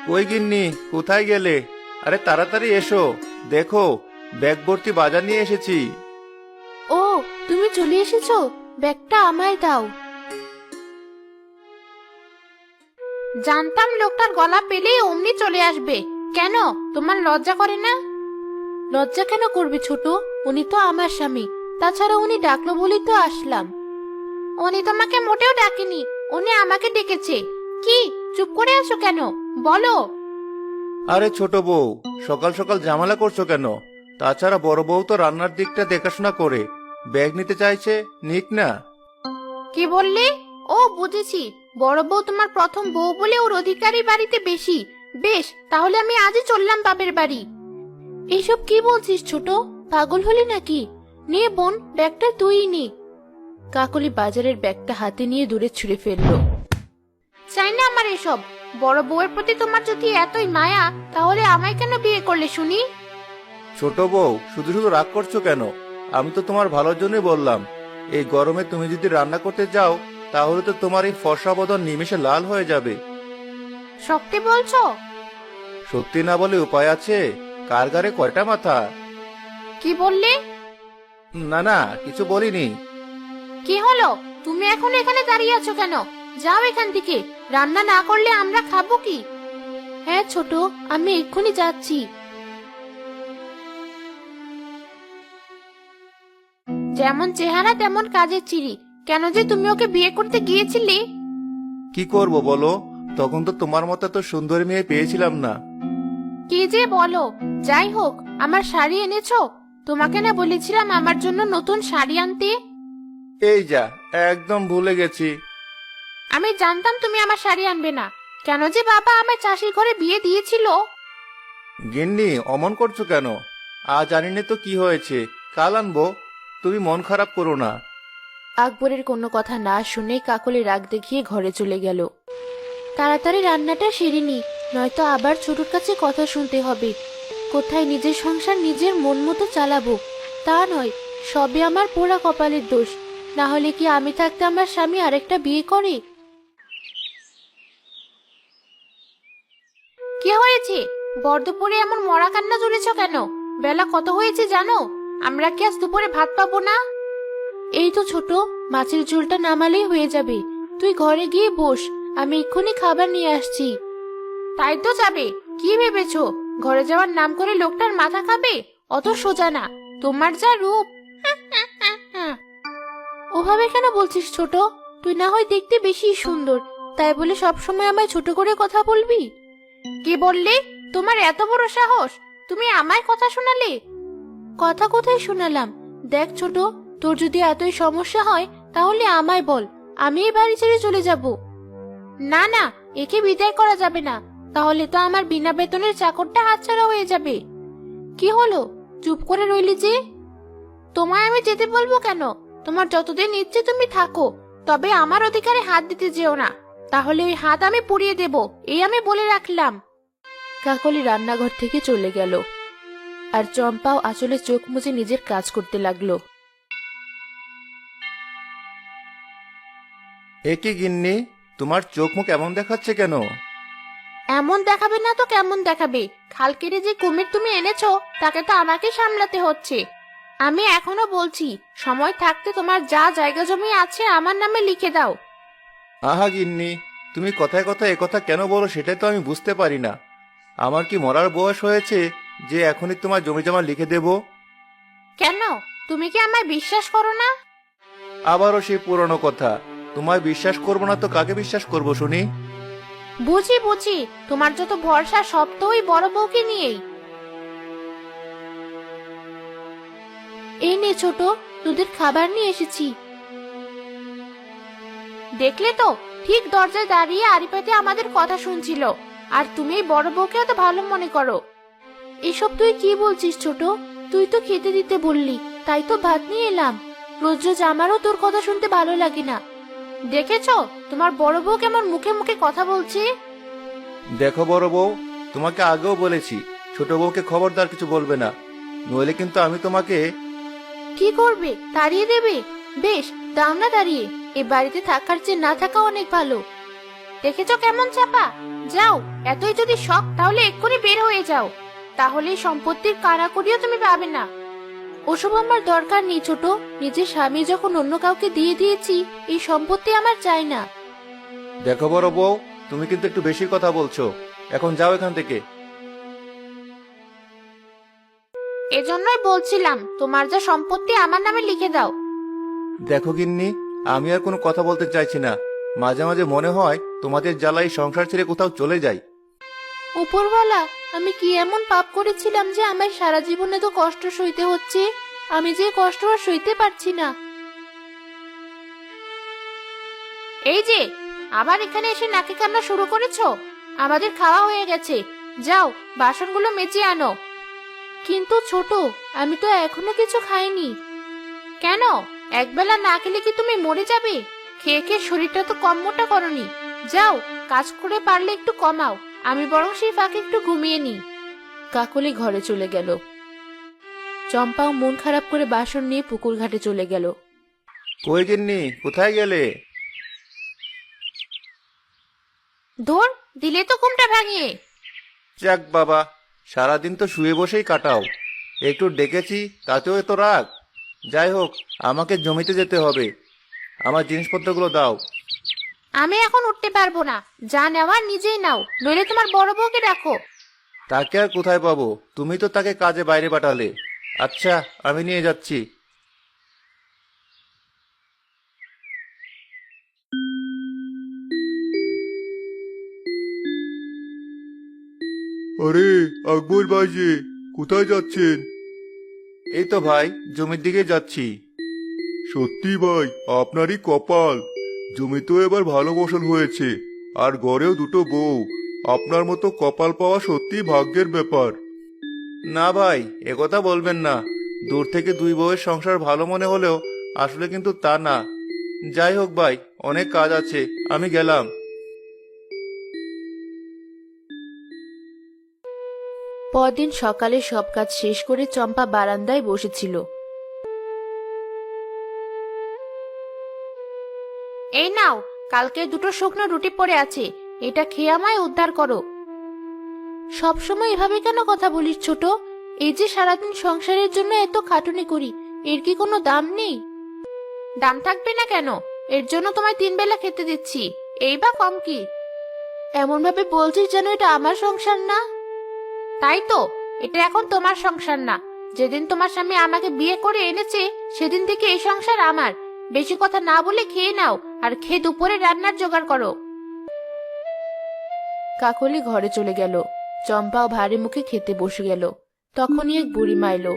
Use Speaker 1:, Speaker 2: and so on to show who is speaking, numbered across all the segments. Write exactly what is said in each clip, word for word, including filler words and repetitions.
Speaker 1: কই গিন্নি, কোথায় গেলে? আরে তাড়াতাড়ি এসো, দেখো ব্যাগ ভর্তি বাজার নিয়ে এসেছি।
Speaker 2: ও, তুমি চলে এসেছো। ব্যাগটা আমায় দাও। জানতাম লোকটার গলা পেলেই অমনি চলে আসবে। কেন, তোমার লজ্জা করে না? লজ্জা কেন করবে ছোট? উনি তো আমার স্বামী। তাছাড়া উনি ডাকলো বলেই তো আসলাম। উনি তোমাকে মোটেও ডাকেনি, উনি আমাকে ডেকেছে। কি, চুপ করে আছো কেন? বলো।
Speaker 1: আরে ছোট বউ, সকাল সকাল ঝামেলা করছো কেন? তাছাড়া বড় বউ তো রান্নার দিকটা দেখাশোনা করে, ব্যাগ নিতে চাইছে, নিক না।
Speaker 2: কি বললি? ও, বুঝেছি, বড় বউ তোমার প্রথম বউ বলে ওর অধিকারী বাড়িতে বেশি। বেশ, তাহলে আমি আজই চললাম বাপের বাড়ি। এইসব কি বলছিস ছোট? পাগল হলি নাকি? নে বোন, ব্যাগটা তুই নে। কাকলি বাজারের ব্যাগটা হাতে নিয়ে দূরে ছুঁড়ে ফেললো। চাই না আমার এসব। বড় বউয়ের প্রতি তোমার যদি এতই মায়া, তাহলে আমায় কেন বিয়ে করলে শুনি?
Speaker 1: ছোট বউ, শুধু শুধু রাগ করছো কেন? আমি তো তোমার ভালোর জন্যই বললাম। এই গরমে তুমি যদি রান্না করতে যাও, তাহলে তো তোমার এই ফর্সা বদন নিমেষে লাল হয়ে যাবে।
Speaker 2: সত্যি বলছো?
Speaker 1: সত্যি না বলে উপায় আছে? কার গারে কয়টা মাথা?
Speaker 2: কি বললে?
Speaker 1: না না, কিছু বলিনি।
Speaker 2: কি হলো? তুমি এখন এখানে দাঁড়িয়ে আছো কেন? যাও এখান থেকে। রান্না না করলে আমরা খাবো কি? হ্যাঁ ছোট, আমি এক্ষুনি যাচ্ছি। যেমন চেহারা তেমন কাজের চিড়ি। কেন যে তুমি ওকে বিয়ে করতে গিয়েছিলে?
Speaker 1: কি করব বলো, তখন তো তোমার মতো তো সুন্দরী মেয়ে পেয়েছিলাম না।
Speaker 2: কি যে বলো! যাই হোক, আমার শাড়ি এনেছো? তোমাকে না বলেছিলাম আমার জন্য নতুন শাড়ি আনতে?
Speaker 1: এই যা, একদম ভুলে গেছি।
Speaker 2: আমি জানতাম তুমি আমার শাড়ি আনবে না। কেন যে বাবা আমায় চাষির ঘরে বিয়ে দিয়েছিল।
Speaker 1: গিন্নি, অমন করছো কেন? আজ জানি না তো কি হয়েছে, কাল আনবো। তুমি মন খারাপ করো না।
Speaker 2: আকবরের কোনো কথা না শুনে কাকলি রাগ দেখিয়ে ঘরে চলে গেল। তাড়াতাড়ি রান্নাটা সেরে নি, নয়তো আবার ছোটুর কাছে কথা শুনতে হবে। কোথায় নিজের সংসার নিজের মন মতো চালাবো তা নয়, সবে আমার পোড়া কপালের দোষ। না হলে কি আমি থাকতে আমার স্বামী আরেকটা বিয়ে করে? কি হয়েছে? বর্ধপুরে এমন মরা কান্না জুড়েছ কেন? বেলা কত হয়েছে জানো? আমরা কি আজ দুপুরে ভাত পাবো না? এই তো ছোট, মাছের ঝোলটা নামালেই হয়ে যাবে। তুই ঘরে গিয়ে বস, আমি এক্ষুনি খাবার নিয়ে আসছি। তাই তো যাবে? কি ভেবেছো, ঘরে যাওয়ার নাম করে লোকটার মাথা খাবে? অত সোজা না। তোমার যা রূপ! ওভাবে কেন বলছিস ছোট? তুই না হয় দেখতে বেশি সুন্দর, তাই বলে সব সময় আমায় ছোট করে কথা বলবি? কি বললি? তোমার এত বড় সাহস! তুমি আমায় কথা শোনালে? কথা কোথায় শোনালাম? দেখ ছোট, তোর যদি এতই সমস্যা হয় তাহলে আমায় বল, আমি এই বাড়ি ছেড়ে চলে যাব। না না, একে বিদায় করা যাবে না, তাহলে তো আমার বিনা বেতনের চাকরটা হাতছাড়া হয়ে যাবে। কি হলো, চুপ করে রইলি যে? তোমায় আমি যেতে বলবো কেন? তোমার যতদিন ইচ্ছে তুমি থাকো, তবে আমার অধিকারে হাত দিতে যেও না, তাহলে ওই হাত আমি পুড়িয়ে দেব, এই আমি বলে রাখলাম। কাকলি রান্নাঘর থেকে চলে গেল, আর চম্পাও আসলে চোখ মুছে নিজের কাজ করতে লাগলো।
Speaker 1: এ কি গিন্নি, তোমার চোখ মুখ এমন দেখাচ্ছে কেন?
Speaker 2: এমন দেখাবে না তো কেমন দেখাবে? খাল কেটে যে কুমির তুমি এনেছো, তাকে তো আমাকে সামলাতে হচ্ছে। আমি এখনো বলছি, সময় থাকতে তোমার যা জায়গা জমি আছে আমার নামে লিখে দাও।
Speaker 1: আহা গিন্নি, তুমি কথায় কথায় একথা কেন বলো সেটাই তো আমি বুঝতে পারি না। আমার কি মরার বয়স হয়েছে যে এখনই তোমার জমি জমা লিখে দেব?
Speaker 2: কেন, তুমি কি আমায় বিশ্বাস করো না?
Speaker 1: আবারও সেই পুরনো কথা। তোমায় বিশ্বাস করবো না তো কাকে বিশ্বাস করব শুনি?
Speaker 2: বুঝি বুঝি, তোমার যত ভরসা সব তো ওই বড় বউকে নিয়েই। এই নে ছোট, তোদের খাবার নিয়ে এসেছি। দেখলে তো, ঠিক দরজায় দাঁড়িয়ে আড়ি পেতে আমাদের কথা শুনছিল, আর তুমি এই বড় বউকে তো ভালো মনে করো। এসব তুই কি বলছিস ছোট? তুই তো খেতে দিতে বললি, তাই তো ভাত নিয়ে এলাম। রোজ রোজ আমারও তোর কথা শুনতে ভালো লাগে না। দেখেছো তোমার বড় বউ কেমন মুখে মুখে কথা বলছে?
Speaker 1: দেখো বড় বউ, তোমাকে আগেও বলেছি ছোট বউকে খবরদার কিছু বলবে না, নইলে কিন্তু আমি তোমাকে।
Speaker 2: কি করবে, তাড়িয়ে দেবে? বেশ, দাও না তাড়িয়ে। এ বাড়িতে থাকার চেয়ে না থাকা অনেক ভালো। দেখেছো কেমন চাপা? যাও, এতই যদি শখ তাহলে এক্ষুনি বের হয়ে যাও, তাহলে এই সম্পত্তির কারাকড়িও তুমি পাবে না। ওসব আমার দরকার নেই ছোট, নিজের স্বামী যখন অন্য কাউকে দিয়ে দিয়েছি, এই সম্পত্তি আমার চাই না।
Speaker 1: দেখো বড় বউ, তুমি কিন্তু একটু বেশি কথা বলছো। এখন যাও এখান থেকে।
Speaker 2: এজন্যই বলছিলাম তোমার যা সম্পত্তি আমার নামে লিখে দাও।
Speaker 1: দেখো গিন্নি, আমি আর কোনো কথা বলতে চাইছি না। মাঝে মাঝে মনে হয় তোমাদের জ্বালাই সংসার ছেড়ে কোথাও চলে যাই।
Speaker 2: উপরওয়ালা, আমি কি এমন পাপ করেছিলাম যে আমার সারা জীবনে তো কষ্ট সইতে হচ্ছে? আমি যে কষ্ট আর সইতে পারছি না। এই যে আবার এখানে এসে নাকে কান্না শুরু করেছো? আমাদের খাওয়া হয়ে গেছে, যাও বাসনগুলো মেজে আনো। কিন্তু ছোট, আমি তো এখনো কিছু খাইনি। কেন? একবেলা না খেলে কি তুমি মরে যাবে? খেয়ে খেয়ে শরীরটা তো কম মোটা করনি। যাও, কাজ করে পারলে একটু কমাও, আমি বরং সেই ফাঁকে একটু ঘুমিয়ে নি। কাকলি ঘরে চলে গেল। চম্পাও মন খারাপ করে বাসন নিয়ে পুকুর ঘাটে চলে গেল।
Speaker 1: কই গিন্নি, কোথায় গেলে?
Speaker 2: ধর, দিলে তো ঘুমটা ভাঙিয়ে।
Speaker 1: যাক বাবা, সারাদিন তো শুয়ে বসেই কাটাও, একটু ডেকেছি তাতেও এত রাগ। যাই হোক, আমাকে জমিতে যেতে হবে। আমার জিনিসপত্রগুলো দাও।
Speaker 2: আমি এখন উঠতে পারবো না, যা নেওয়ার নিজেই নাও, নইলে তোমার বড় বউকে রাখো।
Speaker 1: তাকে আর কোথায় পাবো? তুমি তো তাকে কাজে বাইরে পাঠালে। আচ্ছা, আমি নিয়ে যাচ্ছি।
Speaker 3: আরে আকবর ভাই যে, কোথায় যাচ্ছেন?
Speaker 1: এই তো ভাই, জমির দিকে যাচ্ছি।
Speaker 3: সত্যি ভাই, আপনারই কপাল। জমিতেও এবার ভালো ফসল হয়েছে, আর ঘরেও দুটো বউ। আপনার মতো কপাল পাওয়া সত্যি ভাগ্যের ব্যাপার।
Speaker 1: না ভাই, একথা বলবেন না। দূর থেকে দুই বউয়ের সংসার ভালো মনে হলেও আসলে কিন্তু তা না। যাই হোক ভাই, অনেক কাজ আছে, আমি গেলাম।
Speaker 2: পরদিন সকালে সব কাজ শেষ করে চম্পা বারান্দায় বসেছিল। এই নাও, কালকে দুটো শুকনো রুটি পড়ে আছে, এটা খেয়ে আমায় উদ্ধার করো। সবসময় এভাবে কেন কথা বলিস ছোট? এই যে সারাদিন সংসারের জন্য এত খাটুনি করি, এর কি কোনো দাম নেই? দাম থাকবে না কেন? এর জন্য তোমায় তিন বেলা খেতে দিচ্ছি, এই বা কম কি? এমন ভাবে বলছিস যেন এটা আমার সংসার না। তাই তো, এটা এখন তোমার সংসার না। যেদিন তোমার স্বামী আমাকে বিয়ে করে এনেছে, সেদিন থেকে এই সংসার আমার। বেশি কথা না বলে খেয়ে নাও, আর খেয়ে দুপুরে রান্নার জোগাড় করো। কাকলি ঘরে চলে গেল। চম্পাও ভারী মুখে খেতে বসে গেল। তখনই এক বুড়িমা এলো।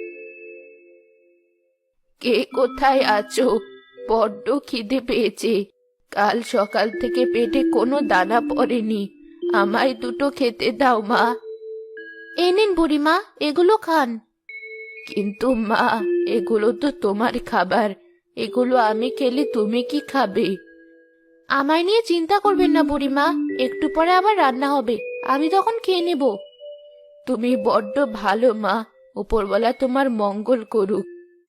Speaker 2: কে কোথায় আছো? বড্ড খিদে পেয়েছে, কাল সকাল থেকে পেটে কোনো দানা পড়েনি, আমায় দুটো খেতে দাও মা। এই নিন বুড়িমা, এগুলো খান। কিন্তু মা, এগুলো তো তোমার খাবার, এগুলো আমি খেলে তুমি কি খাবে? আমায় নিয়ে চিন্তা করবেন না বুড়িমা, একটু পরে আবার রান্না হবে, আমি তখন খেয়ে নেব। তুমি বড্ড ভালো মা, উপরওয়ালা তোমার মঙ্গল করুক।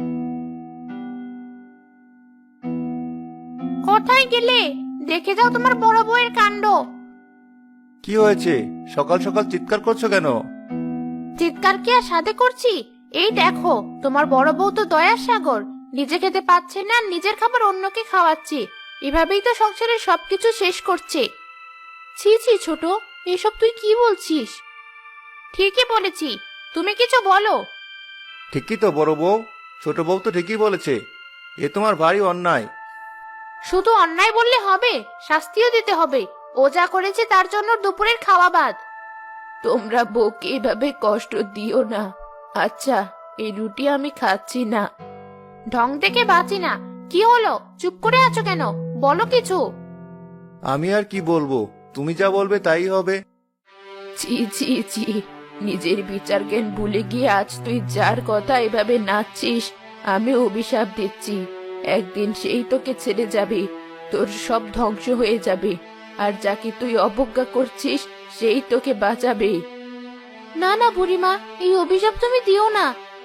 Speaker 2: কোথায় গেলে? দেখে যাও তোমার বড় বউয়ের কাণ্ড।
Speaker 1: কি হয়েছে? সকাল সকাল চিৎকার করছো কেন?
Speaker 2: চিৎকার কি আর সাথে করছি? এই দেখো, তোমার বড় বউ তো দয়ার সাগর, নিজে খেতে পাচ্ছে না, নিজের খাবার অন্যকে খাওয়াচ্ছে। এভাবেই তো সংসারের সবকিছু শেষ করছে। ছি ছি ছোট, এসব তুই কি বলছিস? ঠিকই বলেছি, তুমি কিছু বলো।
Speaker 1: ঠিকই তো বড় বউ, ছোট বউ তো ঠিকই বলেছে। এ তোমার ভারী অন্যায়।
Speaker 2: শুধু অন্যায় বললে হবে, শাস্তিও দিতে হবে। ও যা করেছে তার জন্য দুপুরের খাওয়া বাদ। তোমরা বউকে এভাবে কষ্ট দিও না। আচ্ছা, এই রুটি আমি খাচ্ছি না। ঢং দেখে বাঁচি না। কি হলো, চুপ করে আছো কেন? বলো কিছু।
Speaker 1: আমি আর কি বলবো, তুমি যা বলবে তাই হবে।
Speaker 2: ছি ছি ছি, নিজের বিচার জ্ঞান ভুলে গিয়ে আজ তুই যার কথা এভাবে নাচছিস, আমি অভিশাপ দিচ্ছি। একদিন সেই তোকে ছেড়ে যাবে, তোর সব ধ্বংস হয়ে যাবে, আর যাকে তুই অবজ্ঞা করছিস সেই তোকে বাঁচাবে। না না বুড়িমা, এই অভিশাপ তুমি দিও না।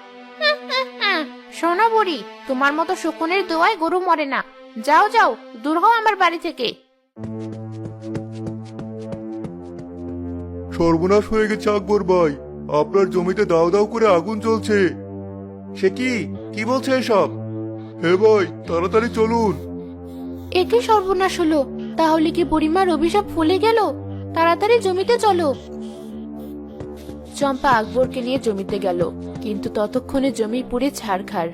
Speaker 2: শোনো বুড়ি, তোমার মতো শকুনের দোয়ায় গরু মরে না। যাও যাও, দূর হও আমার বাড়ি থেকে।
Speaker 3: সর্বনাশ হয়ে গেছে আকবর ভাই, আপনার জমিতে দাও দাও করে আগুন জ্বলছে।
Speaker 1: সে কি কি বলছে এসব?
Speaker 3: হে ভাই, তাড়াতাড়ি চলুন।
Speaker 2: একে সর্বনাশ হলো, তাহলে কি বুড়িমার অভিশাপ ফলে গেল? তাড়াতাড়ি জমিতে চলো। চম্পা আকবরকে নিয়ে জমিতে গেল, কিন্তু ততক্ষণে জমি পুড়ে ছারখার।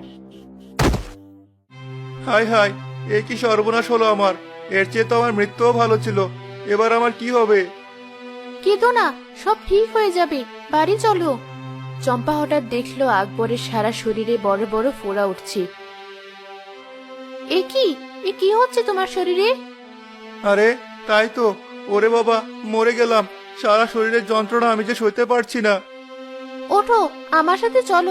Speaker 1: হায় হায়, এ কি সর্বনাশ হলো আমার! এর চেয়ে তো আমার মৃত্যুও ভালো ছিল। এবার আমার কি হবে?
Speaker 2: কেঁদো না, সব ঠিক হয়ে যাবে, বাড়ি চলো। চম্পা হঠাৎ দেখলো আকবরের সারা শরীরে বড় বড় ফোড়া উঠছে। এ কি এ কি হচ্ছে তোমার শরীরে?
Speaker 1: আরে তাই তো, ওরে বাবা, মরে গেলাম। সারা শরীরের যন্ত্রণা আমি যে সইতে পারছি না।
Speaker 2: ওঠো, আমার সাথে চলো।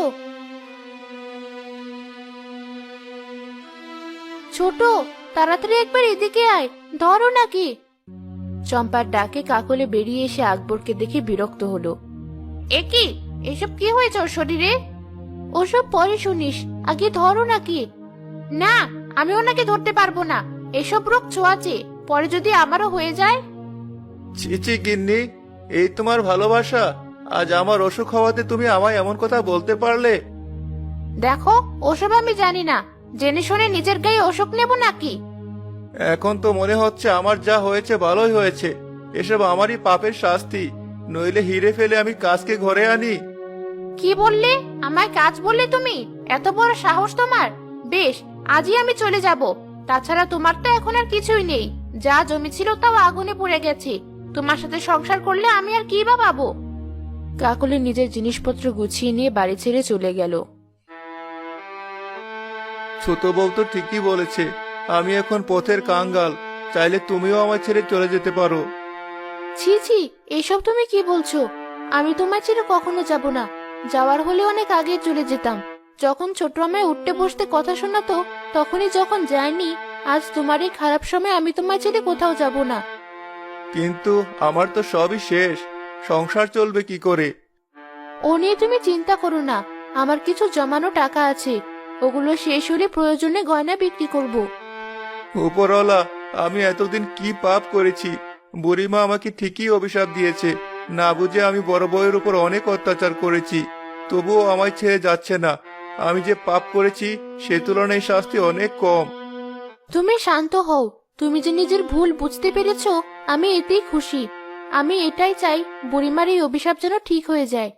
Speaker 2: ছোট, তাড়াতাড়ি একবার এদিকে আয়, ধরো নাকি। চম্পার ডাকে কাকলে বেরিয়ে এসে আকবরকে দেখে বিরক্ত হলো। এ কি, এসব কি হয়েছে ওর শরীরে? ওসব পরে শুনিস, আগে ধরো নাকি। না, আমি ওনাকে ধরতে পারবো না, এসব রোগ ছোঁয়াচে, পরে যদি আমারও হয়ে যায়।
Speaker 1: ছি ছি গিন্নি, এই তোমার ভালোবাসা! আজ আমার অসুখ হওয়াতে তুমি আমায় এমন কথা বলতে পারলে?
Speaker 2: দেখো, ওসব আমি জানি না, জেনে শুনে নিজের গায়ে অসুখ নেব নাকি?
Speaker 1: এখন তো মনে হচ্ছে আমার যা হয়েছে ভালোই হয়েছে। এসব আমারই পাপের শাস্তি, নইলে হিরে ফেলে আমি কাজকে ঘরে আনি।
Speaker 2: কি বললে? আমায় কাজ বললে তুমি? এত বড় সাহস তোমার! বেশ, আজই আমি চলে যাব। তাছাড়া তোমার তো এখন আর কিছুই নেই, যা জমি ছিল তাও আগুনে পুড়ে গেছে। তোমার সাথে সংসার করলে আমি আর কি বা পাবো? কাকলি নিজের জিনিসপত্র গুছিয়ে নিয়ে বাড়ি ছেড়ে চলে গেল।
Speaker 1: ছোট বউ তো ঠিকই বলেছে, আমি এখন পথের কাঙ্গাল। চাইলে তুমিও আমায় ছেড়ে চলে যেতে পারো।
Speaker 2: ছি ছি, এসব তুমি কি বলছো? আমি তোমার ছেড়ে কখনো যাব না। যাওয়ার হলে অনেক আগে চলে যেতাম। যখন ছোট আমায় উঠতে বসতে কথা শোনাতো, তখনই যখন যায়নি, আজ তোমার এই খারাপ সময় আমি তোমার ছেড়ে কোথাও যাব না।
Speaker 1: কিন্তু আমার তো সবই শেষ, সংসার চলবে কি করে?
Speaker 2: ও নিয়ে তুমি চিন্তা করো না, আমার কিছু জমানো টাকা আছে, ওগুলো শেষ হলে প্রয়োজনে গয়না বিক্রি করব।
Speaker 1: উপরওয়ালা, আমি এতদিন কি পাপ করেছি! বুড়িমা আমাকে ঠিকই অভিশাপ দিয়েছে, না বুঝে আমি বড় বউয়ের উপর অনেক অত্যাচার করেছি, তবুও আমায় ছেড়ে যাচ্ছে না। আমি যে পাপ করেছি সে তুলনায় শাস্তি অনেক কম।
Speaker 2: তুমি শান্ত হও, তুমি যে নিজের ভুল বুঝতে পেরেছো, আমি এতেই খুশি। আমি এটাই চাই, বুড়িমার এই অভিশাপ যেন ঠিক হয়ে যায়।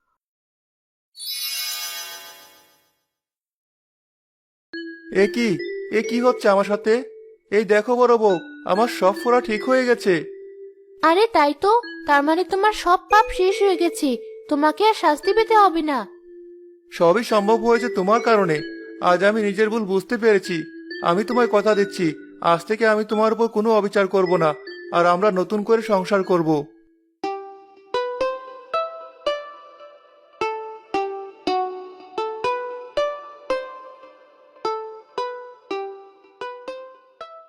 Speaker 1: এ কি এ কি হচ্ছে আমার সাথে? এই দেখো বড় বউ, আমার সব ফোড়া ঠিক হয়ে গেছে।
Speaker 2: আরে তাই তো, তার মানে তোমার সব পাপ শেষ হয়ে গেছে, তোমাকে আর শাস্তি পেতে হবে না।
Speaker 1: সবই সম্ভব হয়েছে তোমার কারণে। আজ আমি নিজের ভুল বুঝতে পেরেছি। আমি তোমায় কথা দিচ্ছি, আজ থেকে আমি তোমার উপর কোনো অবিচার করব না, আর আমরা নতুন করে সংসার করব।